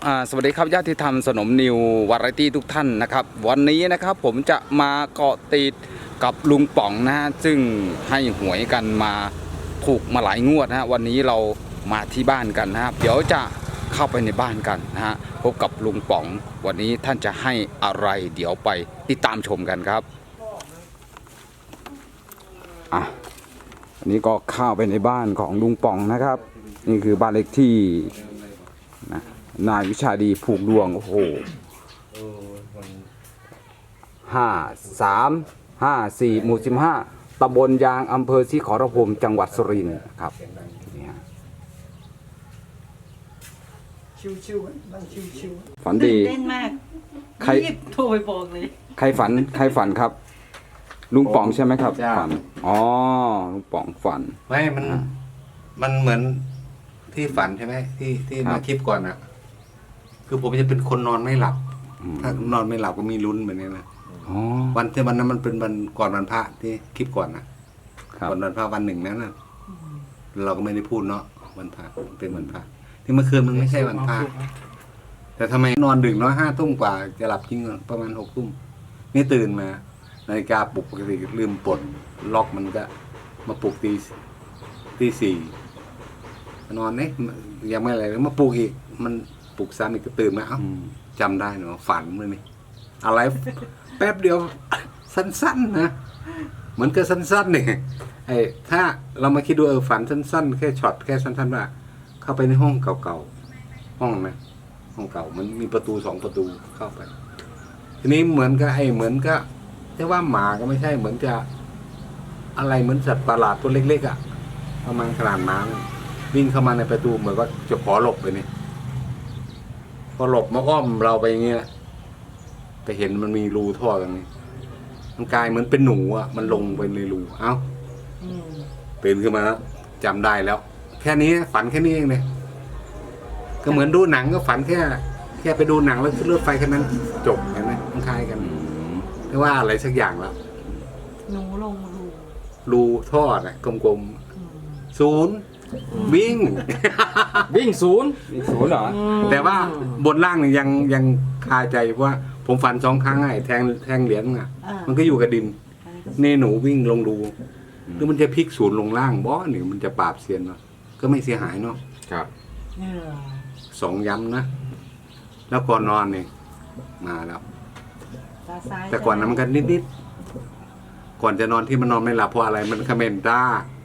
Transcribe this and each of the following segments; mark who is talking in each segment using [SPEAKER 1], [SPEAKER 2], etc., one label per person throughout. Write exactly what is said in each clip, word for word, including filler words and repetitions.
[SPEAKER 1] สวัสดีครับญาติธรรมสนมนิววาไรตี้ทุกท่านนะครับวันนี้นะครับผมจะมาเกาะติดกับลุงป๋องนะฮะซึ่งให้หวยกันมาถูกมาหลายงวดนะฮะวันนี้เรามาที่บ้านกันนะครับเดี๋ยวจะเข้าไปในบ้านกันนะฮะพบกับลุงป๋องวันนี้ท่านจะให้อะไรเดี๋ยวไปติดตามชมกันครับอ่ะอันนี้ก็เข้าไปในบ้านของลุงป๋องนะครับนี่คือบ้านเลขที่นะนายวิชาดีผูกดวงโอ้โหห้าสามห้าสี่หมู่สิบห้าตำบลยางอำเภอศรีขอรภูมิจังหวัดสุรินทร์ครับนี่ฮะ
[SPEAKER 2] ชิวๆนั่งชิว
[SPEAKER 1] ฝันดี
[SPEAKER 2] เต้นมาก
[SPEAKER 1] ใคร
[SPEAKER 2] รีบโทรไปบอกเลย
[SPEAKER 1] ใครฝันใครฝันครับ ลุงป๋องใช่ไหมครับฝันอ๋อลุงป๋องฝัน
[SPEAKER 3] ไม่มันมันเหมือนที่ฝันใช่ไหมที่ที่มาคลิปก่อนอะคือผมจะเป็นคนนอนไม่หลับถ้านอนไม่หลับก็มีลุ้นแบบนี้นะวันที่วันนั้นมันเป็นวันก่อนวันพระที่คลิปก่อนนะก่อนวันพระวันหนึ่งนั้นนะเราก็ไม่ได้พูดเนาะวันพระเป็นวันพระที่เมื่อคืนมันไม่ใช่วันพระแต่ทำไมนอนดึกน้อยห้าทุ่มกว่าจะหลับจริงประมาณหกทุ่มนี่ตื่นมานาฬิกาปลุกปกติลืมปลดล็อกมันก็มาปลุกตีตีสี่นอนเนี่ยยังไม่อะไรแล้วมาปลุกอีกมันปลุกซ้ำอีกก็ตื่นมาเอ้าจำได้เนาะฝันเลยนี่อะไรแป๊บเดียวสั้นๆนะเหมือนกับสั้นๆเนี่ยไอ้ถ้าเรามาคิดดูเออฝันสั้นๆแค่ช็อตแค่สั้นๆว่าเข้าไปในห้องเก่าๆห้องนะห้องเก่ามันมีประตูสองประตูเข้าไปทีนี้เหมือนกับไอ้เหมือนกับแต่ว่าหมาก็ไม่ใช่เหมือนจะอะไรเหมือนสัตว์ประหลาดตัวเล็กๆอ่ะประมาณขนาดหมาวิ่งเข้ามาในประตูเหมือนก็จะขอหลบไปนี่พอหลบมาอ้อมเราไปอย่างเงี้ยไปเห็นมันมีรูท่อตรงนี้มันกลายเหมือนเป็นหนูอ่ะมันลงไปในรูเอ้าตื่นขึ้นมาแล้วจำได้แล้ว แค่นี้ฝันแค่นี้เองเลยก็เหมือนดูหนังก็ฝันแค่แค่ไปดูหนังแล้วขึ้นรถไฟแค่นั้นจบเห็นไหมมันคล้ายกันไม่ว่าอะไรสักอย่างแล้ว
[SPEAKER 2] หนูลงรู
[SPEAKER 3] รูท่อน่ะกลมๆศูนย์วิ่ง
[SPEAKER 1] วิ่งศูนย์วิ่งศูนย์เหรอ
[SPEAKER 3] แต่ว่าบนล่างเนี่ยยังยังคาใจเพราะว่าผมฝันสองครั้งไอ้แทงแทงเหรียญอ่ะมันก็อยู่กับดินนี่หนูวิ่งลงรูหรือมันจะพลิกศูนย์ลงล่างบ่หรือมันจะปราบเซียนเนาะก็ไม่เสียหายเนาะ
[SPEAKER 1] ครับ
[SPEAKER 3] สองย้ำนะแล้วก่อนนอนเนี่ยมาแล้วแต่ก่อนนั้นมันกันนิดๆก่อนจะนอนที่มันนอนไม่หลับเพราะอะไรมันคอมเมนต์ด้า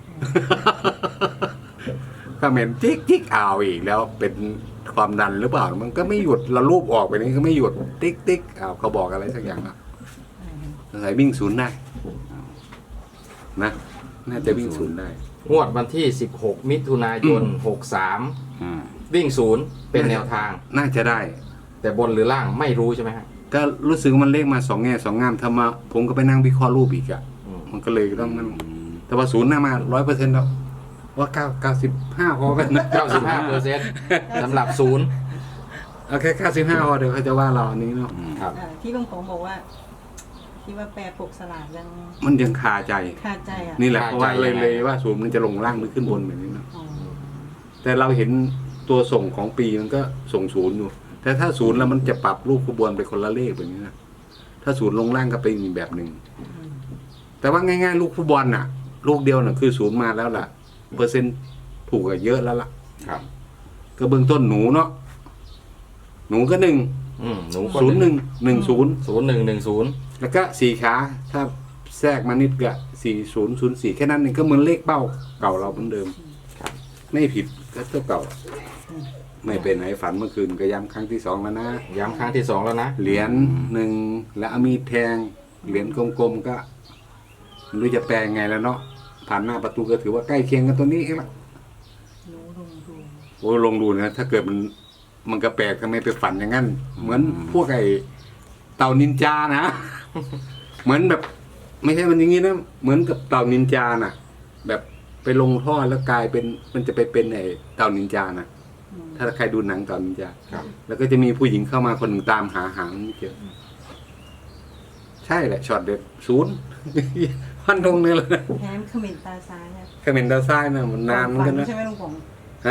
[SPEAKER 3] คอมเมนต์จิ๊กจิ๊กอ้าวอีกแล้วเป็นความดันหรือเปล่ามันก็ไม่หยุดเรารูปออกไปนี้ก็ไม่หยุดติ๊กติ๊กอ้าวเขาบอกอะไรสักอย่างนะสายวิ่งศูนย์ได้นะน่าจะวิ่งศูนย์ได้
[SPEAKER 4] งวดวันที่สิบหกมิถุนายนหกสามวิ่งศูนย์เป็นแนวทาง
[SPEAKER 3] น่าจะได้
[SPEAKER 4] แต่บนหรือล่างไม่รู้ใช่ไหมฮะ
[SPEAKER 3] ก็รู้สึกมันเลขมาสองแง่สองงามทำมาผมก็ไปนั่งวิเคราะห์รูปอีกอะมันก็เลยต้องนั่นแต่ว่าศูนย์น่ามาร้อยเปอร์เซ็นต์แล้วว่าเก้าเก้าสิบห้าพอกันนะ
[SPEAKER 4] เก้าสิบห้าเปอร์เซ็นต์สำหรับศูนย์
[SPEAKER 3] เอาแค่เก้าสิบห้าพอเดี๋ยวเขาจะว่าเราอันนี้เนาะ
[SPEAKER 4] ครับ
[SPEAKER 2] ที่ลุงผมบอกว่าที่ว่าแปรปกสลากยัง
[SPEAKER 3] มันยังคาใจ
[SPEAKER 2] คาใจอ่ะ
[SPEAKER 3] นี่แหละเพราะว่าเลยเลยว่าศูนย์มันจะลงล่างหรือขึ้นบนแบบนี้เนาะแต่เราเห็นตัวส่งของปีมันก็ส่งศูนย์อยู่แต่ถ้าศูนย์แล้วมันจะปรับรูปขบวนไปคนละเลขแบบนี้นะถ้าศูนย์ลงล่างก็เป็นอีกแบบหนึ่งแต่ว่าง่ายๆลูกฟุตบอลน่ะลูกเดียวน่ะคือศูนย์มาแล้วล่ะเปอร์เซ็นต์ถูกกันเยอะแล้วล่ะ
[SPEAKER 4] ครับ
[SPEAKER 3] ก็เบื้องต้นหนูเนาะหนูก็หนึ่งศูนย์หนึ่งหนึ่งศูนย์
[SPEAKER 4] ศูนย์หนึ่งหนึ่งศูนย์
[SPEAKER 3] แล้วก็สี่ขาถ้าแทรกมานิดก็สี่ศูนย์ศูนย์สี่แค่นั้นเองก็เหมือนเลขเป้าเก่าเราเหมือนเดิมไม่ผิดก็เท่าเก่าไม่เป็นไหนฝันเมื่อคืนก็ย้ำครั้งที่สองแล้วนะ
[SPEAKER 4] ย้ำครั้งที่สองแล้วนะ
[SPEAKER 3] เหรียญหนึ่งแล้วมีแทงเหรียญกลมๆก็ไม่รู้จะแปลงไงแล้วเนาะผ่านหน้าประตูก็ถือว่าใกล้เคียงกันตัวนี้เองละโอ้ลงดูนะถ้าเกิดมันมันก็แปลกทำไมไปฝันอย่างนั้นเหมือนพวกไอ้เต่านินจานะเหมือนแบบไม่ใช่มันอย่างนี้นะเหมือนกับเต่านินจาน่ะแบบไปลงท่อแล้วกลายเป็นมันจะไปเป็นไอ้เต่านินจานะถ้าใครดูหนังเต่านินจาแล้วก็จะมีผู้หญิงเข้ามาคนหนึ่งตามหาหางไม่เจอใช่แหละช็อตเด็ดศูนย์พันธงเลยเลย
[SPEAKER 2] แถมเขมินตาซ้ายอ่ะ
[SPEAKER 3] เขมินตาซ้ายนะมันนานเหมือนกันนะ
[SPEAKER 2] ใช่ไหมลุงผม
[SPEAKER 3] ฮะ
[SPEAKER 2] เข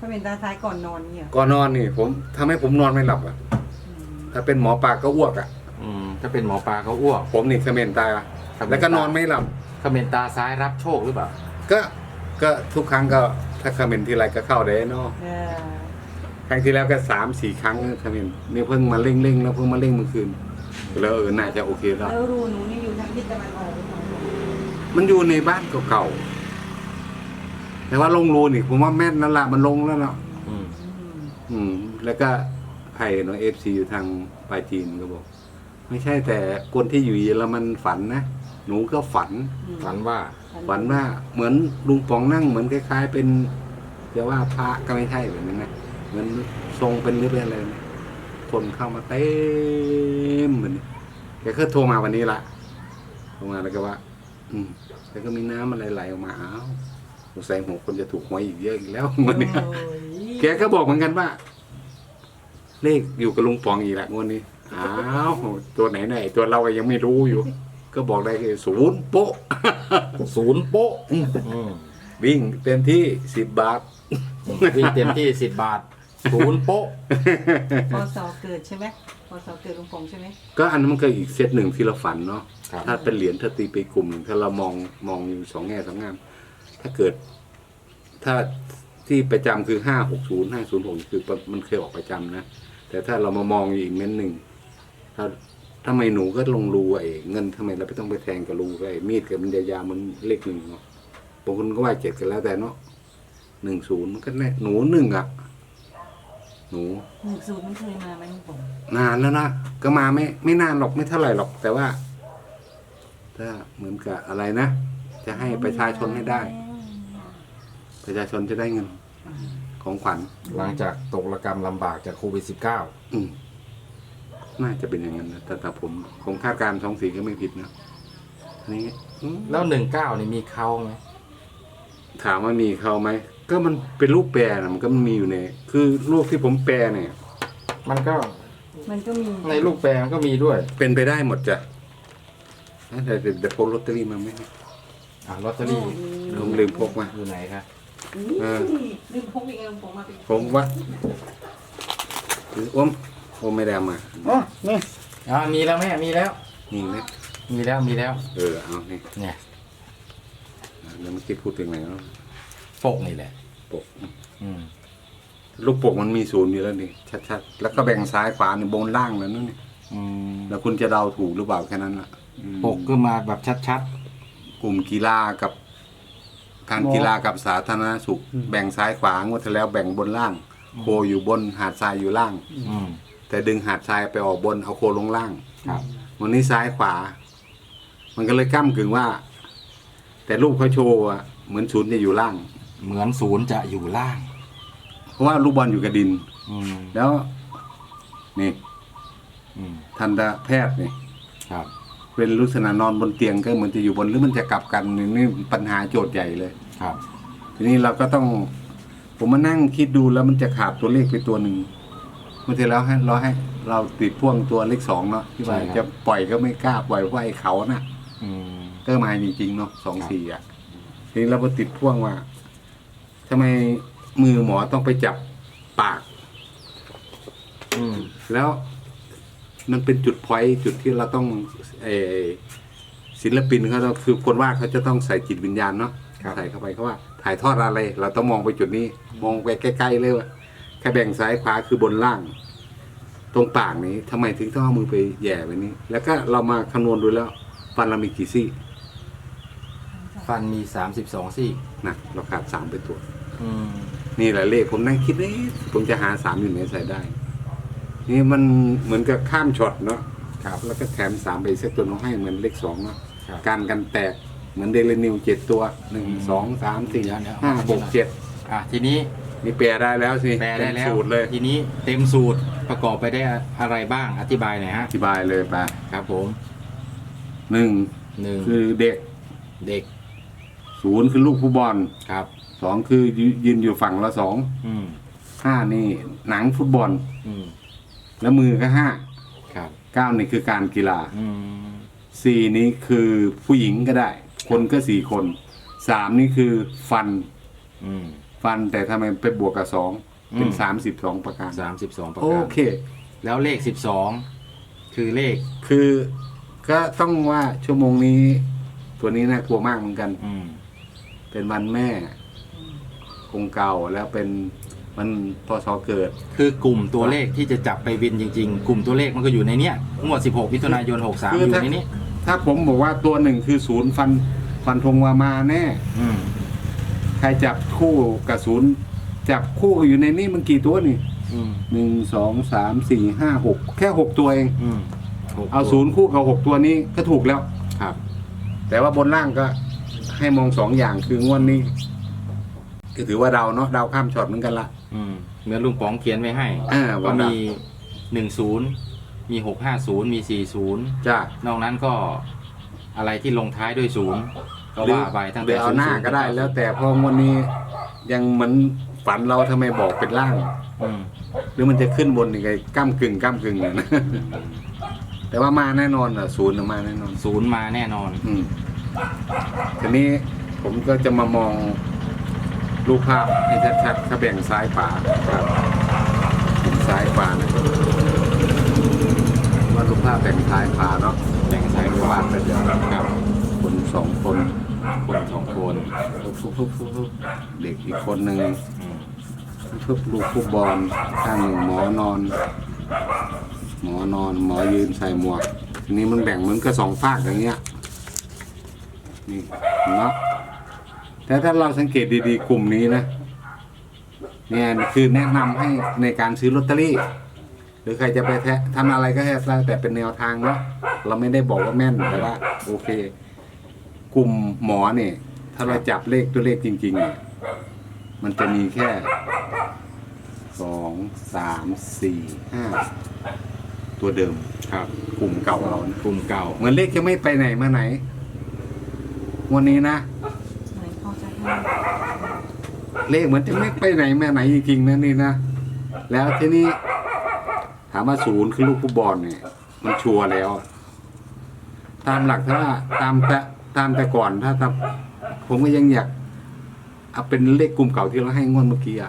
[SPEAKER 2] เขาเป็นตาท้ายก่อนนอนเนี่ย
[SPEAKER 3] ก่อนนอนนี่ ผมทำให้ผมนอนไม่หลับอ่ะ ถ้าเป็นหมอปลาก็อ้วกอ่ะ
[SPEAKER 4] อืมถ้าเป็นหมอปลาเขาอ้วก
[SPEAKER 3] ผมนี่เขมรตา
[SPEAKER 4] เขมรตา
[SPEAKER 3] แล้วก็นอนไม่หลับ
[SPEAKER 4] เขมรตาซ้ายรับโชคหรือเปล่า
[SPEAKER 3] ก็ก็ทุกครั้งก็ถ้าเขมรทีไรก็เข้าได้เนาะ
[SPEAKER 2] เออ
[SPEAKER 3] ครั้งที่แล้วก็สามสี่ครั้งเขมรนี่เพิ่งมาเร่งเร่งๆแล้วเพิ่งมาเร่งเมื่อคืนแล้วเออน่าจะโอเคแล้ว
[SPEAKER 2] แล้วรูหนูนี่อยู่ทางทิศตะวันออกหรือเปล่า
[SPEAKER 3] มันอยู่ในบ้านเก่าๆแต่ว่าลงรูนี่ผมว่าแม่นนั่นแหละมันลงแล้วเนาะ
[SPEAKER 4] อืม
[SPEAKER 2] อืม
[SPEAKER 3] อืม แล้วก็ใครเนาะเอฟซีอยู่ทางปลายจีนก็บอก ไม่ใช่แต่คนที่อยู่เยอรมันฝันนะหนูก็ฝัน
[SPEAKER 4] ฝันว่า
[SPEAKER 3] ฝันว่าเหมือนลุงป๋องนั่งเหมือนคล้ายๆเป็นจะว่าพระก็ไม่ใช่แบบนั้นนะเหมือนทรงเป็นหรือเป็นอะไรนะคนเข้ามาเต็มเหมือนแกก็โทรมาวันนี้ละโทรมาแล้วก็ว่า อืมแล้วก็มีน้ำอะไรไหลออกมาอ้าวสงสัยหัวคนจะถูกหวยอีกเยอะอีกแล้ววันนี้
[SPEAKER 2] โอ้ย
[SPEAKER 3] แกก็บอกเหมือนกันว่า เลขอยู่กับลุงป๋องอีกละงวดนี้อ้าวตัวไหนไหนตัวเราก็ยังไม่รู้อยู่ ก็บอกได้คือศูนย์โป๊ะ
[SPEAKER 4] ศูนย์โป๊ะอืม
[SPEAKER 3] วิ่งเต็มที่สิบบาท
[SPEAKER 4] วิ่งเต็มที่สิบบาทศูนย์โป๊ะ
[SPEAKER 2] พศเกิดใช่ไหมพศเกิดลุงปงใช่ไหม
[SPEAKER 3] ก็อันนั้นมันก็อีกเซตหนึ่งที่เราฝันเนาะ
[SPEAKER 4] ครับ
[SPEAKER 3] ถ้าเป็นเหรียญถ้าตีไปกลุ่มหนึ่งถ้าเรามองมองอยู่สองแง่สองงาม ถ้าเกิด ถ้าที่ประจำคือห้าหกศูนย์ห้าศูนย์หกคือมันเคยออกประจำนะ แต่ถ้าเรามามองอีกเม้นหนึ่งถ้าทำไมหนูก็ลงรูไอ้เงินทำไมเราไม่ต้องไปแทงกับรูไอ้มีดกับมันยาวๆมันเลขหนึ่งเนาะบางคนก็ว่าเจ็ดกันแล้วแต่เนาะหนึ่งศูนย์ก็แน่หนูหนึ่งอ่ะ หนู
[SPEAKER 2] หนึ่งศูนย์มันเคยมาไหมลุงปง
[SPEAKER 3] นานแล้วนะก็มาไม่ไม่นานหรอกไม่เท่าไหร่หรอก แต่ว่า ถ้าเหมือนกับอะไรนะ จะให้ประชาชนให้ได้ ประชาชนจะได้เงิน ของขวัญ
[SPEAKER 4] หลังจากตกระกรรมลำบากจากโควิดสิบเก้า
[SPEAKER 3] อืมน่าจะเป็นอย่างนั้นนะแต่แต่ผมผมคาดการณ์สองสีก็ไม่ผิดนะอันนี้อืม
[SPEAKER 4] แล้วหนึ่งเก้านี่มีเขาไหม
[SPEAKER 3] ถามว่ามีเขาไหมก็มันเป็นรูปแปรนะมันก็มันมีอยู่ในคือรูปที่ผมแปรเนี่ย
[SPEAKER 4] มันก็
[SPEAKER 2] มันก็มี
[SPEAKER 4] ในลูกแปลมันก็มีด้วย
[SPEAKER 3] เป็นไปได้หมดจ้ะแต่เดี๋ยวเดี๋ยวพกลอตเตอรี่มาไหม
[SPEAKER 4] อ่ะลอตเตอรี่
[SPEAKER 3] ผมลืมพกมา
[SPEAKER 4] อยู่ไหนครับ
[SPEAKER 2] นี่
[SPEAKER 3] เออ
[SPEAKER 2] ลืมพกอีกแล้วลุงปงมาเป็น
[SPEAKER 3] ผมว่าหรืออ้มอ้มไม่ได้เอามา
[SPEAKER 4] อ๋อนี่อ่ามีแล้วแม่มีแล้ว
[SPEAKER 3] นี่ไหม
[SPEAKER 4] มีแล้วมีแล้ว
[SPEAKER 3] เออเอานี่
[SPEAKER 4] เนี่ย
[SPEAKER 3] แล้วเมื่อกี้พูดถึงไหนแล้ว
[SPEAKER 4] ปกนี่แหละ
[SPEAKER 3] ปก
[SPEAKER 4] อืม
[SPEAKER 3] ลูกปกมันมีศูนย์อยู่แล้วนี่ชัดๆแล้วก็แบ่งซ้ายขวานี่บนล่างแล้วนั่นนี่
[SPEAKER 4] อืม
[SPEAKER 3] แล้วคุณจะเดาถูกหรือเปล่าแค่นั้นล่ะอืม
[SPEAKER 4] ปกก็มาแบบชัด
[SPEAKER 3] กลุ่มกีฬากับ การกีฬากับสาธารณสุข แบ่งซ้ายขวางวดที่แล้วแบ่งบนล่าง โคอยู่บนหาดทรายอยู่ล่าง
[SPEAKER 4] ๆอืม
[SPEAKER 3] แต่ดึงหาดทรายไปออกบนเอาโคลงล่าง
[SPEAKER 4] ครับ
[SPEAKER 3] วันนี้ซ้ายขวา มันก็เลยก้ากึ่งว่า แต่รูปเขาโชว์อะเหมือนศูนย์จะอยู่ล่าง
[SPEAKER 4] เหมือนศูนย์จะอยู่ล่าง
[SPEAKER 3] เพราะว่าลูกบอลอยู่กับดิน
[SPEAKER 4] อืม
[SPEAKER 3] แล้ว นี่
[SPEAKER 4] อืม
[SPEAKER 3] ทันตแพทย์นี่
[SPEAKER 4] ครับ
[SPEAKER 3] เป็นลักษณะนอนบนเตียงก็เหมือนจะอยู่บนหรือมันจะกลับกันนี่นี่ปัญหาโจทย์ใหญ่เลย
[SPEAKER 4] ครับ
[SPEAKER 3] ทีนี้เราก็ต้อง ผมมานั่งคิดดูแล้วมันจะขาดตัวเลขไปตัวหนึ่งเมื่อที่แล้วให้เราให้ เราติดพ่วงตัวเลขสองเนาะที่ว่าจะปล่อยก็ไม่กล้าปล่อยเพราะไอ้เขาน่ะ
[SPEAKER 4] อืม
[SPEAKER 3] ก็มาจริงๆเนาะสองสี่อ่ะทีนี้เราก็ติดพ่วงว่าทำไมมือหมอต้องไปจับปาก
[SPEAKER 4] อืม
[SPEAKER 3] แล้วมันเป็นจุดพอยต์จุดที่เราต้องเออศิลปินเขาต้องคือคนว่าเขาจะต้องใส่จิตวิญญาณเนาะใส่เข้าไปเขาว่า ถ่ายทอดอะไร เราต้องมองไปจุดนี้ มองไปใกล้ๆเลยว่าแค่แบ่งซ้ายขวาคือบนล่าง ตรงปากนี้ทำไมถึงต้องเอามือไปแหย่ไปนี้ แล้วก็เรามาคำนวณดูแล้ว ฟันเรามีกี่ซี่
[SPEAKER 4] ฟันมีสามสิบสองซี่
[SPEAKER 3] นะเราขาดสามไปตัว
[SPEAKER 4] อืม
[SPEAKER 3] นี่แหละเลขผมนั่งคิดเอ๊ะผมจะหาสามอยู่ไหนใส่ได้ นี่มันเหมือนกับข้ามช็อตเนาะ
[SPEAKER 4] ครับ
[SPEAKER 3] แล้วก็แถมสามไปเซตตัวน้องให้เหมือนเลขสองเนาะ
[SPEAKER 4] ครับ
[SPEAKER 3] การกันแตกเหมือนเดลินิวเจ็ดตัวหนึ่งสองสามสี่
[SPEAKER 4] เดี๋ยวเดี๋ยว
[SPEAKER 3] ห้าหกเจ็ด
[SPEAKER 4] อ่ะทีนี้
[SPEAKER 3] นี่แปลได้แล้วสิ
[SPEAKER 4] แปลได้แล้ว
[SPEAKER 3] เต็มสูตรเลย
[SPEAKER 4] ทีนี้เต็มสูตรประกอบไปได้วยอะไรบ้างอธิบายหน่อยฮะ
[SPEAKER 3] อธิบายเลยไป
[SPEAKER 4] ครับผม
[SPEAKER 3] หนึ่ง
[SPEAKER 4] หนึ่ง
[SPEAKER 3] คือเด็ก
[SPEAKER 4] เด็ก
[SPEAKER 3] ศูนย์คือลูกผู้บอล
[SPEAKER 4] ครับ
[SPEAKER 3] สองคือยืนอยู่ฝั่งละสอง
[SPEAKER 4] อืม
[SPEAKER 3] ห้านี่หนังฟุตบอล
[SPEAKER 4] อืม
[SPEAKER 3] แล้วมือก็ห้า
[SPEAKER 4] ครับ
[SPEAKER 3] เก้านี่คือการกีฬา
[SPEAKER 4] อืม
[SPEAKER 3] สี่นี้คือผู้หญิงก็ได้ คนก็สี่คนสามนี่คือฟัน
[SPEAKER 4] อืม
[SPEAKER 3] ฟันแต่ทำไมไปบวกกับสองเป็น
[SPEAKER 4] อืม
[SPEAKER 3] สามสิบสองประการ
[SPEAKER 4] สามสิบสองประ
[SPEAKER 3] โอ
[SPEAKER 4] การ
[SPEAKER 3] เค
[SPEAKER 4] แล้วเลขสิบสองคือเลข
[SPEAKER 3] คือก็ต้องว่าชั่วโมงนี้ ตัวนี้น่ากลัวมากเหมือนกัน
[SPEAKER 4] อืม
[SPEAKER 3] เป็นวันแม่คงเก่าแล้วเป็นมันพศเกิด
[SPEAKER 4] คือกลุ่มตัวเลขที่จะจับไปวินจริง ๆ กลุ่มตัวเลขมันก็อยู่ในเนี้ยงวดสิบหกมิถุนายนหกสาม
[SPEAKER 3] คือ
[SPEAKER 4] อยู่
[SPEAKER 3] ถ้า
[SPEAKER 4] ในนี้
[SPEAKER 3] ถ้าผมบอกว่าตัวหนึ่งคือศูนย์ฟันฟันธงว่ามาแน่
[SPEAKER 4] อืม
[SPEAKER 3] ใครจับคู่กับศูนย์จับคู่อยู่ในนี้มันกี่ตัวนี่
[SPEAKER 4] อืม
[SPEAKER 3] หนึ่งสองสามสี่ห้าหกแค่หกตัวเอง
[SPEAKER 4] อืมหก
[SPEAKER 3] เอาศูนย์คู่กับหกตัวนี้ก็ถูกแล้ว
[SPEAKER 4] ครับ
[SPEAKER 3] แต่ว่าบนล่างก็ให้มองสองอย่างคืองวดนี้ก็ถือว่าเดาเนาะเดาข้ามช็อตเหมือนกันละ
[SPEAKER 4] อืมเหมือนลุงป๋องเขียนไว้ให้
[SPEAKER 3] อ่า
[SPEAKER 4] ก็
[SPEAKER 3] ว่ามี
[SPEAKER 4] มีหนึ่งศูนย์มีหกห้าศูนย์มีสี่ศูนย์
[SPEAKER 3] จ้าน
[SPEAKER 4] อกนั้นก็อะไรที่ลงท้ายด้วยศูนย์ก็ว่าไปตั้ง
[SPEAKER 3] เดี๋
[SPEAKER 4] แต่
[SPEAKER 3] ยวเอาหน้า
[SPEAKER 4] ศูย์
[SPEAKER 3] ก็ได้ แล้วแต่พองวดนี้ยังเหมือนฝันเราทำไมบอกเป็นล่าง
[SPEAKER 4] อืม
[SPEAKER 3] หรือมันจะขึ้นบนยังไงก้ามกึ่งก้ามกึ่งเลยนะ แต่ว่ามาแน่นอนอ่ะศูนย์น่ะมาแน่นอน
[SPEAKER 4] ศูนย์มาแน่นอน
[SPEAKER 3] อืมทีนี้ผมก็จะมามองรูปภาพให้ชัดๆถ้าแบ่งซ้ายขวาครับเห็นซ้ายขวานะว่ารูปภาพแบ่งซ้ายขวาเนาะ
[SPEAKER 4] แบ่งซ้ายขวา
[SPEAKER 3] เป็นอย่างนั้นครับคนสองคน
[SPEAKER 4] คนสองคน
[SPEAKER 3] ฟุบฟุบฟุบฟุบเด็กอีกคนหนึ่ง
[SPEAKER 4] อืม
[SPEAKER 3] ฟุบลูกฟุตบอลข้างหนึ่งหมอนอน หมอนอน หมอยืนใส่หมวกทีนี้มันแบ่งเหมือนกับสองฝากอย่างเงี้ยนี่เนาะแต่ถ้าเราสังเกตดีๆกลุ่มนี้นะเนี่ยคือแนะนำให้ในการซื้อลอตเตอรี่ หรือใครจะไปแทะทำอะไรก็แล้วแต่แต่เป็นแนวทางเนาะเราไม่ได้บอกว่าแม่นแต่ว่าโอเค กลุ่มหมอเนี่ย ถ้าเราจับเลขตัวเลขจริงๆเนี่ยมันจะมีแค่สองสามสี่ห้าตัวเดิม
[SPEAKER 4] ครับ
[SPEAKER 3] กลุ่มเก่าเรานะ
[SPEAKER 4] กลุ่มเก่า
[SPEAKER 3] เหมือนเลขจะไม่ไปไหนมาไหน วันนี้นะ
[SPEAKER 2] ไหนเขาจะให้
[SPEAKER 3] เลขเหมือนจะไม่ไปไหนมาไหนจริงๆนะนี่นะแล้วทีนี้ ถามว่าศูนย์คือลูกฟุตบอลเนี่ย มันชัวร์แล้ว ตามหลักถ้าตามแต่ตามแต่ก่อนถ้าทำผมก็ยังอยากเอาเป็นเลขกลุ่มเก่าที่เราให้งวดเมื่อกี้อะ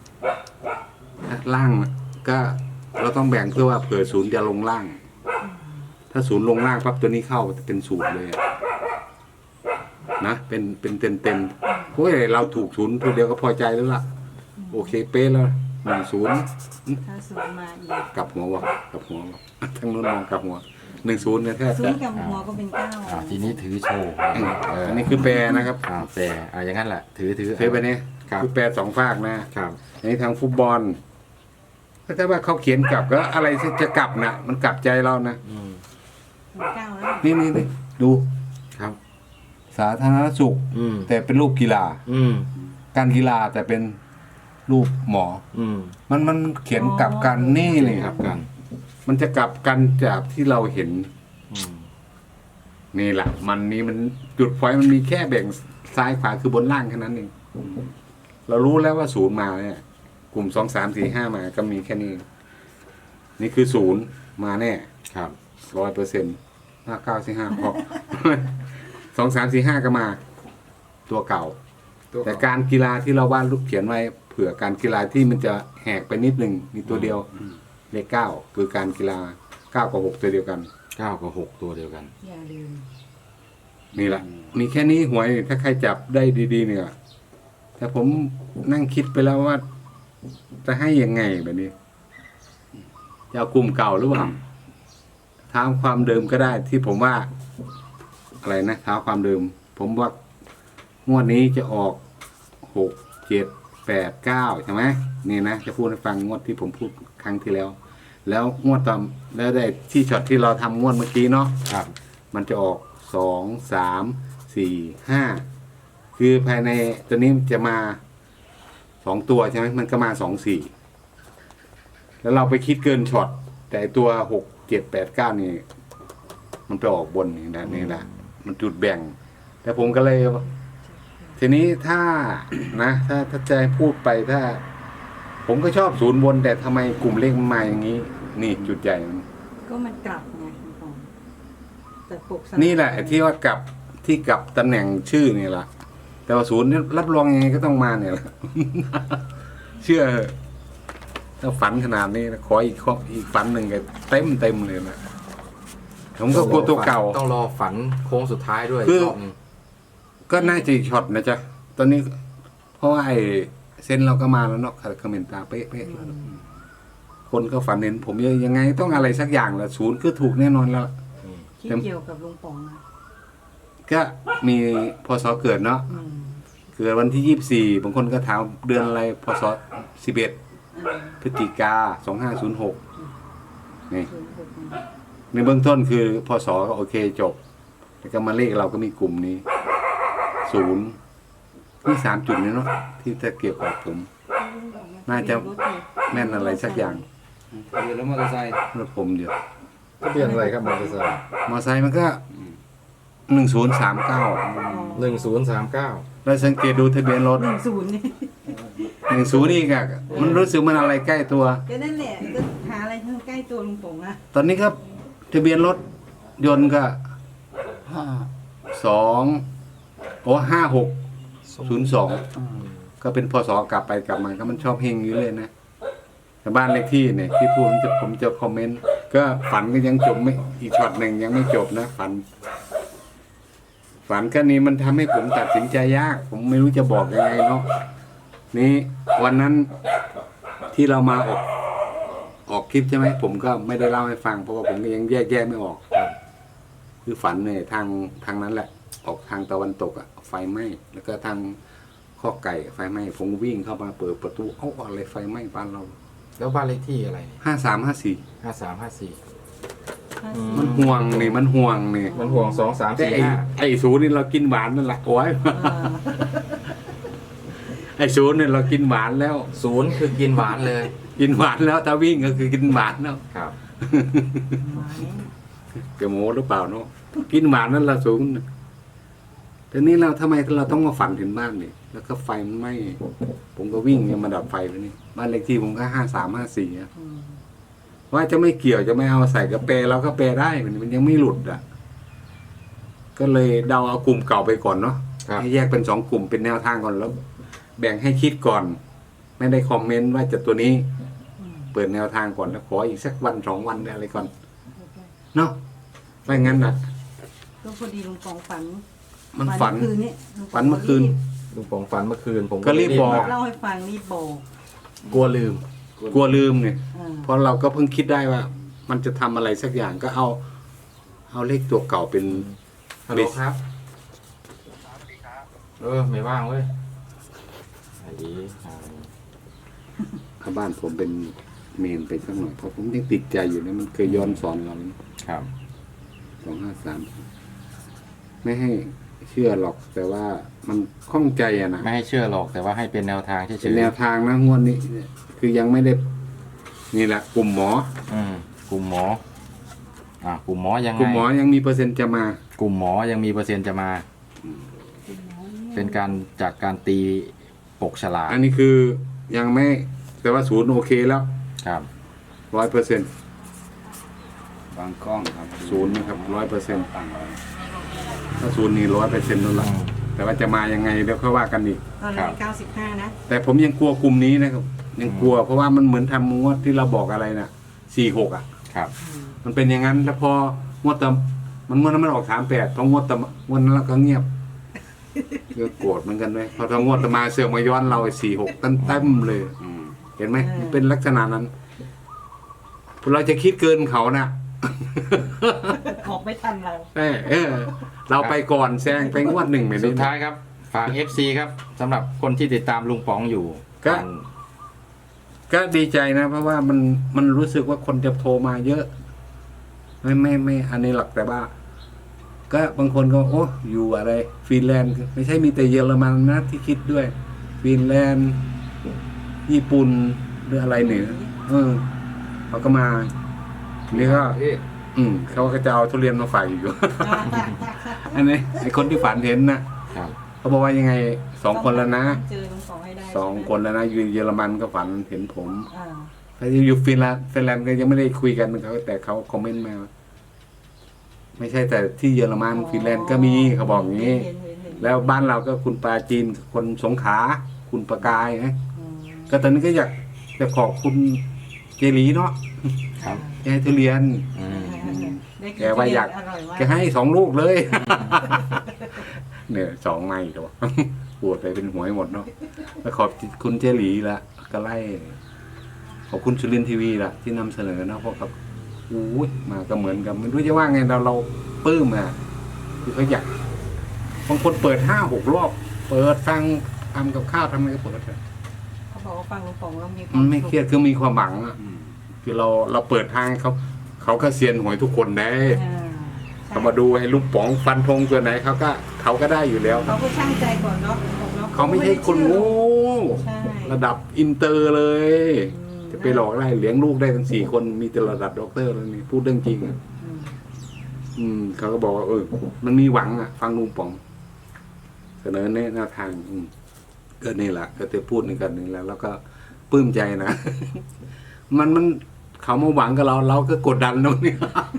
[SPEAKER 3] ล่างก็เราต้องแบ่งเพื่อว่าเผื่อศูนย์จะลงล่าง ถ้าศูนย์ลงล่างปั๊บตัวนี้เข้าจะเป็นศูนย์เลยอะนะเป็นเป็นเต็มเต็มๆโอ้ยเราถูกศูนย์ตัวเดียวก็พอใจแล้วล่ะ โอเคเป๊ะแล้วหนึ่งศูนย์
[SPEAKER 2] ถ้าศูนย์มาอีก
[SPEAKER 3] กลับหัววะกลับหัววะทั้งนู้นมองกลับหัวหนึ่งศูนย์เนี่ยแทบ
[SPEAKER 2] ศู
[SPEAKER 3] จะ
[SPEAKER 2] นย์กับหัวก็เป็นเก้า
[SPEAKER 4] อ่าทีนี้ถือโชว์เออ
[SPEAKER 3] อันนี้คือแปรนะครับ
[SPEAKER 4] อ่าแต่อ่าอย่างนั้นแหละถือถือ
[SPEAKER 3] เทปไปนี้
[SPEAKER 4] ครับ
[SPEAKER 3] คือแปรสองฝากนะครับ อันนี้ทางฟุตบอลก็ถ้าว่าเขาเขียนกลับก็อะไรที่จะกลับนะมันกลับใจเรานะ
[SPEAKER 4] อืม
[SPEAKER 2] เป็นเก้าแล้ว
[SPEAKER 3] นี่นี่นี่ดู
[SPEAKER 4] ครับ
[SPEAKER 3] สาธารณสุข
[SPEAKER 4] อืม
[SPEAKER 3] แต่เป็นรูปกีฬา
[SPEAKER 4] อืม
[SPEAKER 3] การกีฬาแต่เป็นรูปหมอ
[SPEAKER 4] อืม
[SPEAKER 3] มันมันเขียนกลับกันนี่เลย
[SPEAKER 4] ครับกัน
[SPEAKER 3] มันจะกลับกันจากที่เราเห็น
[SPEAKER 4] อืม
[SPEAKER 3] นี่แหละมันนี้มันจุดไฟมันมีแค่แบ่งซ้ายขวาคือบนล่างแค่นั้นเองเรารู้แล้วว่าศูนย์มาเนี่ย กลุ่มสองสามสี่ห้ามาก็มีแค่นี้ นี่คือศูนย์มาแน่
[SPEAKER 4] ครับ
[SPEAKER 3] ร้อยเปอร์เซ็นต์ห้าเก้าสี่ห้าพอ สองสามสี่ห้าก็มา ตัวเก่า แต่การกีฬาที่เราวาดรูปเขียนไว้เผื่อการกีฬาที่มันจะแหกไปนิดหนึ่งมีตัวเดียวเลขเก้าคือการกีฬาเก้ากับหกตัวเดียวกัน
[SPEAKER 4] เก้ากับหกตัวเดียวกัน
[SPEAKER 2] อย่าลืม
[SPEAKER 3] นี่แหละ มีแค่นี้หวยถ้าใครจับได้ดีๆเนี่ย แต่ผมนั่งคิดไปแล้วว่า จะให้ยังไงแบบนี้จะเอากลุ่มเก่าหรือเปล่าเท้าความเดิมก็ได้ที่ผมว่า อะไรนะเท้าความเดิม ผมว่างวดนี้จะออกหกเจ็ดแปดเก้าใช่ไหมนี่นะจะพูดให้ฟังงวดที่ผมพูดครั้งที่แล้ว แล้วงวดตอนแล้วได้ที่ช็อตที่เราทำงวดเมื่อกี้เนาะ
[SPEAKER 4] ครับ
[SPEAKER 3] มันจะออกสองสามสี่ห้าคือภายในตัวนี้จะมาสองตัวใช่ไหมมันก็มาสองสี่แล้วเราไปคิดเกินช็อตแต่ตัวหกเจ็ดแปดเก้านี่ มันไปออกบนนี่นะนี่แหละมันจุดแบ่ง แต่ผมก็เลย ทีนี้ถ้า นะถ้าถ้าจะให้พูดไปถ้า ผมก็ชอบศูนย์บน แต่ทำไมกลุ่มเลขมันมาอย่างนี้ นี่จุดใหญ่มัน
[SPEAKER 2] ก็มันกลับไงคุณปองแต่ปกสลับ
[SPEAKER 3] นี่แหละไอ้ที่ว่ากลับที่กลับตำแหน่งชื่อนี่แหละแต่ว่าศูนย์เนี่ยรับรองยังไงก็ต้องมาเนี่ยแหละ เชื่อเถอะถ้าฝันขนาดนี้นะขออีกข้ออีกฝันหนึ่งก็เต็มเต็มเลยนะผมก็กลัวตัวเก่า
[SPEAKER 4] ต้องรอฝันโค้งสุดท้ายด้วย
[SPEAKER 3] คือ
[SPEAKER 4] รอบหนึง
[SPEAKER 3] ก็น่าจะอีกช็อตนะจ๊ะตอนนี้ เพราะว่าไอ้เส้นเราก็มาแล้วเนาะคอมเมนต์ตาเป๊ะๆแล้วเนอะคนก็ฝันเห็นผมยังไงต้องอะไรสักอย่างแหละศูนย์คือถูกแน่นอนแล้ว
[SPEAKER 2] ที่เกี่ยวกับลุงป๋องนะ
[SPEAKER 3] ก็มีพศเกิดเนาะ
[SPEAKER 2] อืม
[SPEAKER 3] เกิดวันที่ยี่สิบสี่บางคนก็ถามเดือนอะไรพศสิบเอ็ด
[SPEAKER 2] อ่า
[SPEAKER 3] พฤศจิกาสองห้าศูนย์หกนี่
[SPEAKER 2] ศูนย์หกนะ
[SPEAKER 3] ในเบื้องต้นคือพศก็โอเคจบ แล้วก็มาเลขเราก็มีกลุ่มนี้ศูนย์มีสามจุดนี้เนาะที่จะเกี่ยวกับผม น่าจะ แม่นอะไรสักอย่าง
[SPEAKER 1] เรือแล้วมอเตอร์ไซค์
[SPEAKER 3] รถผมเดียว
[SPEAKER 4] ทะเบียนอะไรครับมอเตอร์ไซค์
[SPEAKER 3] มอไซค์มันก็หนึ่งศูนย์สามเก้า
[SPEAKER 4] หนึ่งศูนย์สามเก้า
[SPEAKER 3] เราสังเกตดูทะเบียนรถ
[SPEAKER 2] หนึ่งศูนย์นี่
[SPEAKER 3] หนึ่งศูนย์นี่ก็มันรู้สึกมันอะไรใกล้ตัว
[SPEAKER 2] ก็นั่นแหละก็หาอะไรที่มันใกล้ตัวลุงป๋องนะ
[SPEAKER 3] ตอนนี้ครับทะเบียนรถยนต์ก็
[SPEAKER 1] ห้า
[SPEAKER 3] สองโอ้ห้าหกศูนย์สองก็เป็นพศกลับไปกลับมาก็มันชอบเฮงอยู่เลยนะแต่บ้านเลขที่เนี่ยที่พูดผมจะผมจะคอมเมนต์ก็ฝันก็ยังจบไม่อีกช็อตหนึ่งยังไม่จบนะฝัน ฝันก็นี้มันทำให้ผมตัดสินใจยาก ผมไม่รู้จะบอกยังไงเนาะนี่วันนั้นที่เรามาออกออกคลิปใช่ไหมผมก็ไม่ได้เล่าให้ฟังเพราะว่าผมก็ยังแยกแยกไม่ออก คือฝันเนี่ยทางทางนั้นแหละ ออกทางตะวันตกอะไฟไหม้แล้วก็ทางข้อไก่ไฟไหม้ผมวิ่งเข้ามาเปิดประตูเอ้าอะไรไฟไหม้บ้านเรา
[SPEAKER 4] แล้วบ้านเลขที่อะไร
[SPEAKER 3] ห้าสามห้าสี่
[SPEAKER 4] ห้าสามห้าสี่
[SPEAKER 3] มันห่วงนี่มันห่วงนี่
[SPEAKER 4] มันห่วงสองสาม
[SPEAKER 3] แต่
[SPEAKER 4] สี่
[SPEAKER 3] ไอ้
[SPEAKER 4] ห้า
[SPEAKER 3] ไอ้ศูนย์นี่เรากินหวานนั่นแหละโอ้ย
[SPEAKER 2] อ่า
[SPEAKER 3] ไอ้ศูนย์เนี่ยเรากินหวานแล้ว
[SPEAKER 4] ศูนย์คือกินหวานเลย
[SPEAKER 3] กินหวานแล้วถ้าวิ่งก็คือกินหวานแล้ว
[SPEAKER 4] ครับ
[SPEAKER 2] หมาย
[SPEAKER 3] เกโมหรือเปล่าเนาะกินหวานนั่นละศูนย์แต่นี้เราทำไมเราต้องมาฝันถึงบ้านนี่แล้วก็ไฟมันไหม้ผมก็วิ่งเนี่ยมาดับไฟไปนี่บ้านเลขที่ผมก็ห้าสามห้าสี่
[SPEAKER 2] อืม
[SPEAKER 3] ว่าจะไม่เกี่ยวจะไม่เอาใส่กระเปรเราก็แปรได้มันมันยังไม่หลุดอ่ะ ก็เลยเดาเอากลุ่มเก่าไปก่อนเนาะ
[SPEAKER 4] ครับ
[SPEAKER 3] ให้แยกเป็นสองกลุ่มเป็นแนวทางก่อนแล้ว แบ่งให้คิดก่อน ไม่ได้คอมเมนต์ว่าจะตัวนี้
[SPEAKER 2] อืม
[SPEAKER 3] เปิดแนวทางก่อนแล้วขออีกสักวันสองวันอะไรก่อนเนาะไม่งั้นนะ
[SPEAKER 2] ก็พอดีลุงป๋องฝัน
[SPEAKER 3] มันฝัน
[SPEAKER 2] เมื่อคืนนี้ลุงป๋
[SPEAKER 3] ฝั
[SPEAKER 2] อง
[SPEAKER 3] นเมื่อคืน
[SPEAKER 4] ลุงปองฝันเมื่อคืนผม
[SPEAKER 3] ก็รีบบอก
[SPEAKER 4] มา
[SPEAKER 2] เล่าให้ฟังรีบบอก
[SPEAKER 4] กลัวลืม
[SPEAKER 3] กลัวลืมเนี่ย
[SPEAKER 2] อ่า
[SPEAKER 3] เพราะเราก็เพิ่งคิดได้ว่า มันจะทำอะไรสักอย่างก็เอา เอาเลขตัวเก่าเป็น
[SPEAKER 4] ฮัลโหลครับเออไม่ว่างเว้ยไอ้ดีอ่า
[SPEAKER 3] ข้าบ้านผมเป็นเมนไปสักหน่อยเพราะผมยังติดใจอยู่เนี่ยมันเคยย้อนสอนเรา
[SPEAKER 4] ครับ
[SPEAKER 3] สองห้าสามไม่ให้เชื่อหรอก แต่ว่ามันข้องใจอะนะ
[SPEAKER 4] ไม่ให้เชื่อหรอกแต่ว่าให้เป็นแนวทางเฉ
[SPEAKER 3] เป็น
[SPEAKER 4] ย
[SPEAKER 3] แนวทางนะงวดนี้เนี่ยคือยังไม่ได้ นี่แหละ กลุ่มหมอ
[SPEAKER 4] ๆอืมกลุ่มหมอ อ่ากลุ่มหมอยังไง
[SPEAKER 3] กลุ่มหมอยังมีเปอร์เซ็นต์จะมา
[SPEAKER 4] กลุ่มหมอยังมีเปอร์เซ็นต์จะมา เป็นการจากการตีปกฉลาก
[SPEAKER 3] อันนี้คือยังไม่ แต่ว่าศูนย์โอเคแล้ว
[SPEAKER 4] ครับ
[SPEAKER 3] ร้อยเปอร์เซ็นต์
[SPEAKER 1] บางกล้องครับ
[SPEAKER 3] ศูนย์นะครับร้อยเปอร์เซ็นต์
[SPEAKER 1] ต่างเลย
[SPEAKER 3] ถ้าศูนย์นี่ร้อยเปอร์เซ็นต์นั่นแหละแต่ว่าจะมายังไงเดี๋ยวค่อยว่ากันอีก
[SPEAKER 2] ตอนแรกเก้าสิบห้านะ
[SPEAKER 3] แต่ผมยังกลัวกลุ่มนี้นะครับ ยังกลัว เพราะว่ามันเหมือนทำงวดที่เราบอกอะไรนะสี่หกอ่ะ
[SPEAKER 4] ครับ
[SPEAKER 3] มันเป็นอย่างนั้น แล้วพองวดตะมันงวดนั้นมันออกสามแปดพองวดตะงวดนั้นเราก็เงียบก็โกรธเหมือนกันเลยพอทางวดตะมาเสือกมาย้อนเราสี่หกตั้งเต็มเลย
[SPEAKER 1] อืม
[SPEAKER 3] เห็นไหมมันเป็นลักษณะนั้น เราจะคิดเกินเขานะ
[SPEAKER 2] ออกไม่ทันเรา
[SPEAKER 3] เออเออ เราไปก่อนแซงไปงวดหนึ่งเหมือน
[SPEAKER 4] สุ
[SPEAKER 3] นี้
[SPEAKER 4] ดท้ายครับ ฝาก เอฟ ซี ครับสำหรับคนที่ติดตามลุงป๋องอยู่
[SPEAKER 3] ก็ ก็ดีใจนะ เพราะว่ามันมันรู้สึกว่าคนจะโทรมาเยอะ ไม่ไม่ไม่อันนี้หลักแต่ว่า ก็บางคนก็โอ้อยู่อะไรฟินแลนด์ไม่ใช่มีแต่เยอรมันนะที่คิดด้วยฟินแลนด์ญี่ปุ่นหรืออะไรเนี่ยเออเขาก็มานี่ก็ อืมเขาก็จะเอาทุเรียนมาฝากอีกอยู่ อันนี้ไอคนที่ฝันเห็นนะครับ เขาบอกว่ายังไงสองคนแล้วนะ
[SPEAKER 2] เจอลุงป๋องให้ได้
[SPEAKER 3] สอง
[SPEAKER 2] ใช่ไหม
[SPEAKER 3] คนแล้วนะอยู่เยอรมันก็ฝันเห็นผม
[SPEAKER 2] อ่า
[SPEAKER 3] แต่อยู่ฟินแลนด์ฟินแลนด์ก็ยังไม่ได้คุยกันเขาแต่เขาคอมเมนต์มา ไม่ใช่แต่ที่เยอรมันฟินแลนด์ก็มีเขาบอกอย่างนี้
[SPEAKER 2] เห็นเห็นเห็น
[SPEAKER 3] แล้วบ้านเราก็คุณปลาจีนคนสงขลาคุณประกายนะ
[SPEAKER 2] อืม
[SPEAKER 3] ก็ตอนนี้ก็อยากจะขอบคุณเจหลีเนาะ
[SPEAKER 4] ครับ
[SPEAKER 3] แกให้ทุเรียน
[SPEAKER 4] อืม
[SPEAKER 2] ได้น
[SPEAKER 3] แกว่าอยาก
[SPEAKER 2] ทุเรีนอร่อยมาก
[SPEAKER 3] แกให้สองลูกเลย เนี่ยสองไม้ตัว ปวดไปเป็นหวยหมดเนาะแล้วขอบคุณเจหลีละก็ไล่ขอบคุณสุรินทร์ทีวีละที่นำเสนอเนาะเพราะกับอู้ยมาก็เหมือนกันไม่รู้จะว่าไงเราเราปลื้มอ่ะคือเขาอยากบางคนเปิดห้าหกรอบเปิดฟังทำกับข้าวทำอะไรก็เปิดอะ
[SPEAKER 2] เขาบอกว่าฟังลุงป๋องแล้วมีควา
[SPEAKER 3] มั
[SPEAKER 2] ม
[SPEAKER 3] นไม่
[SPEAKER 2] สุข
[SPEAKER 3] เครียดคือมีความหวังอ่ะคือเราเราเปิดทางให้เขาเขาก็เซียนหวยทุกคนได้
[SPEAKER 2] อ่าใช่
[SPEAKER 3] เขามาดูให้ลูกป๋องฟันธงตัวไหนเขาก็เขาก็ได้อยู่แล้ว
[SPEAKER 2] เขาก็ช่างใจก่อนเนาะบอกเนาะ
[SPEAKER 3] เขาไม่ใช่คนโง่
[SPEAKER 2] ใช่
[SPEAKER 3] ระดับอินเตอร์เลย
[SPEAKER 2] อืม
[SPEAKER 3] จะไปหลอกได้เลี้ยงลูกได้ทั้งสี่คนมีแต่ระดับด็อกเตอร์แล้วนี่พูดเรื่องจริงอ่ะ
[SPEAKER 2] อืม
[SPEAKER 3] อืมเขาก็บอกว่าเออมันมีหวังอ่ะ ฟังลุงป๋อง เสนอแนะแนวทาง อืมก็นี่แหละก็จะพูดในกันนี่แหละแล้วก็ปลื้มใจนะ มันมันเขามาหวังกับเรา เราก็กดดันตรงนี้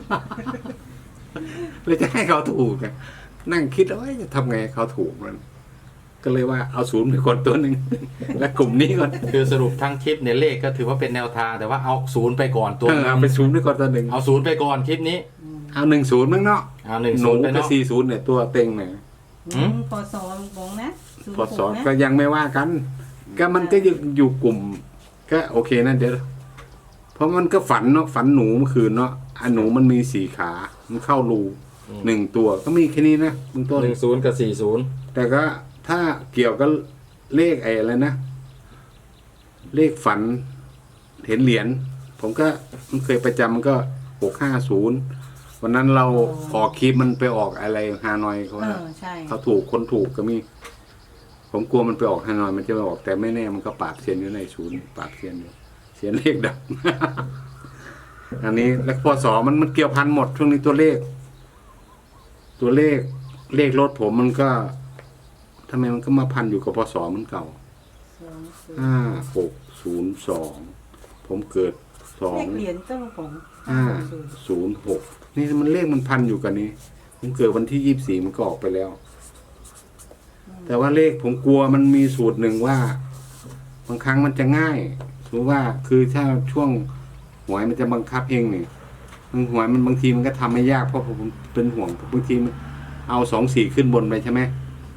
[SPEAKER 3] เลยจะให้เขาถูกอะนั่งคิดว่าจะทำไงให้เขาถูกมัน ก็เลยว่าเอาศูนย์ไปก่อนตัวหนึ่ง และกลุ่มนี้ก่อน
[SPEAKER 4] คือสรุปทั้งคลิปเนี่ยเลขก็ถือว่าเป็นแนวทาง แต่ว่าเอาศูนย์ไปก่อนตัว
[SPEAKER 3] เออเอาไปศูนย์ไปก่อนตัวหนึ่ง
[SPEAKER 4] เอาศูนย์ไปก่อนคลิปนี้
[SPEAKER 3] เอาหนึ่งศูนย์มั้งเนาะ
[SPEAKER 4] เอาหนึ่ง
[SPEAKER 3] ห
[SPEAKER 4] ศู
[SPEAKER 3] นู
[SPEAKER 4] นย์ไป
[SPEAKER 3] กับ
[SPEAKER 4] เนาะ
[SPEAKER 3] สี่ศูนย์เนี่ยตัวเต็งเนี่ย
[SPEAKER 4] หืม
[SPEAKER 2] พอสอนลุงป๋องนะศูนย์
[SPEAKER 3] พอสอน
[SPEAKER 2] หกนะ
[SPEAKER 3] ก็ยังไม่ว่ากัน ก็มันก็ยังอยู่กลุ่ม ก็โอเคนะเดี๋ยวเพราะมันก็ฝันเนาะฝันหนูเมื่อคืนเนาะอันหนูมันมีสี่ขา มันเข้ารูหนึ่งตัวก็มีแค่นี้นะเบื้องต้น
[SPEAKER 4] หนึ่งศูนย์กับสี่ศูนย์
[SPEAKER 3] แต่ก็ถ้าเกี่ยวกับเลขไอ้อะไรนะ เลขฝันเห็นเหรียญผมก็มันเคยประจำมันก็หกห้าศูนย์วันนั้นเราออกคลิปมันไปออกอะไรฮานอยเขา
[SPEAKER 2] เอ
[SPEAKER 3] ว่า
[SPEAKER 2] อใช่
[SPEAKER 3] เขาถูกคนถูกก็มี ผมกลัวมันไปออกฮานอยมันจะไปออกแต่ไม่แน่มันก็ปราบเซียนอยู่ในศูนย์ปราบเซียนอยู่เซียนเลขดับ อันนี้แล้วพศมันมันเกี่ยวพันหมดช่วงนี้ตัวเลข ตัวเลขเลขรถผมมันก็ทำไมมันก็มาพันอยู่กับพศมันเก่า
[SPEAKER 2] สองศูนย์
[SPEAKER 3] ห้าหกศูนย์สองผมเกิดสอ
[SPEAKER 2] เล
[SPEAKER 3] ง
[SPEAKER 2] ขเหรียญเจ้าลุงป๋อง
[SPEAKER 3] ห้า
[SPEAKER 2] ศูนย์
[SPEAKER 3] ศูนย์หกนี่มันเลขมันพันอยู่กันนี้ผมเกิดวันที่ยี่สิบสี่มันก็ออกไปแล้ว แต่ว่าเลขผมกลัวมันมีสูตรหนึ่งว่า บางครั้งมันจะง่ายสมมติว่าคือถ้าช่วงหวยมันจะบังคับเองเนี่ยบางหวยมันบางทีมันก็ทำไม่ยากเพราะผมเป็นห่วงบางทีมันเอาสองสี่ขึ้นบนไปใช่ไหม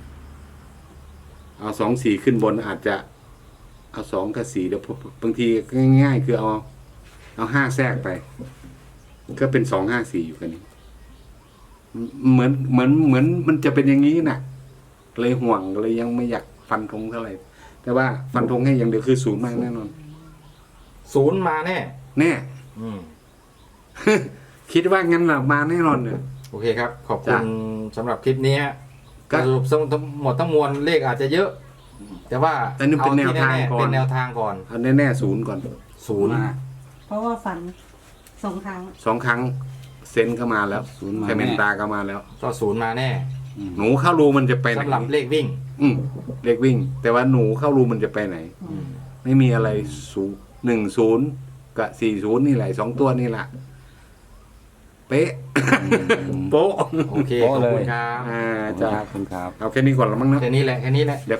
[SPEAKER 3] เอาสองสี่ขึ้นบนอาจจะ เอาสองกับสี่เดี๋ยวบางทีง่ายๆคือเอา เอาห้าแทรกไป ก็เป็นสองห้าสี่อยู่กันนี้เหมือนเหมือนเหมือนมันจะเป็นอย่างนี้น่ะ เลยห่วงเลยยังไม่อยากฟันธงเท่าไหร่แต่ว่าฟันธงให้อย่างเดียวคือศูนย์มากแน่นอน
[SPEAKER 4] ศูนย์มาแน่
[SPEAKER 3] แน่
[SPEAKER 4] อืม
[SPEAKER 3] คิดว่างั้นหรอมาแน่นอนเนี่ย
[SPEAKER 4] โอเคครับ ขอบคุ
[SPEAKER 3] จ้ะ
[SPEAKER 4] ณสำหรับคลิปนี้ฮะ
[SPEAKER 3] ก็
[SPEAKER 4] สรุปทั้งหมดทั้งมวลเลขอาจจะเยอะ แต่ว่า
[SPEAKER 3] แต่นี่เป็น
[SPEAKER 4] อ
[SPEAKER 3] แนวทาง
[SPEAKER 4] ที่
[SPEAKER 3] ก่อน
[SPEAKER 4] เป็นแนวทางก่อน
[SPEAKER 3] เอาแน่ๆศูนย์ก่อน
[SPEAKER 4] ศูนย์
[SPEAKER 2] เพราะว่าฝันสองครั้ง
[SPEAKER 3] สองครั้งเซนเข้ามาแล้ว
[SPEAKER 1] ศูนย์มา
[SPEAKER 3] ไคเมนตาเข้ามาแล้ว
[SPEAKER 4] ก็ศูนย์มาแน่
[SPEAKER 3] หนูเข้ารูมันจะไปไหน
[SPEAKER 4] สำหรับเลขวิ่ง
[SPEAKER 3] อืมเลขวิ่ง แต่ว่าหนูเข้ารูมันจะไปไหน
[SPEAKER 4] อืม
[SPEAKER 3] ไม่มีอะไรศูนย์หนึ่งศูนย์กับสี่ศูนย์นี่แหละสองตัวนี่แหละเป๊ะ โป๊ะ
[SPEAKER 4] โอเค ขอบคุณครับ
[SPEAKER 3] อ่า
[SPEAKER 1] จ้า
[SPEAKER 3] จ้า
[SPEAKER 1] คุณครับ
[SPEAKER 3] เอาแค่นี้ก่อนละมั้งเนอะ
[SPEAKER 4] แค่นี้แหละแค่นี้แหละ
[SPEAKER 3] เดี๋ยว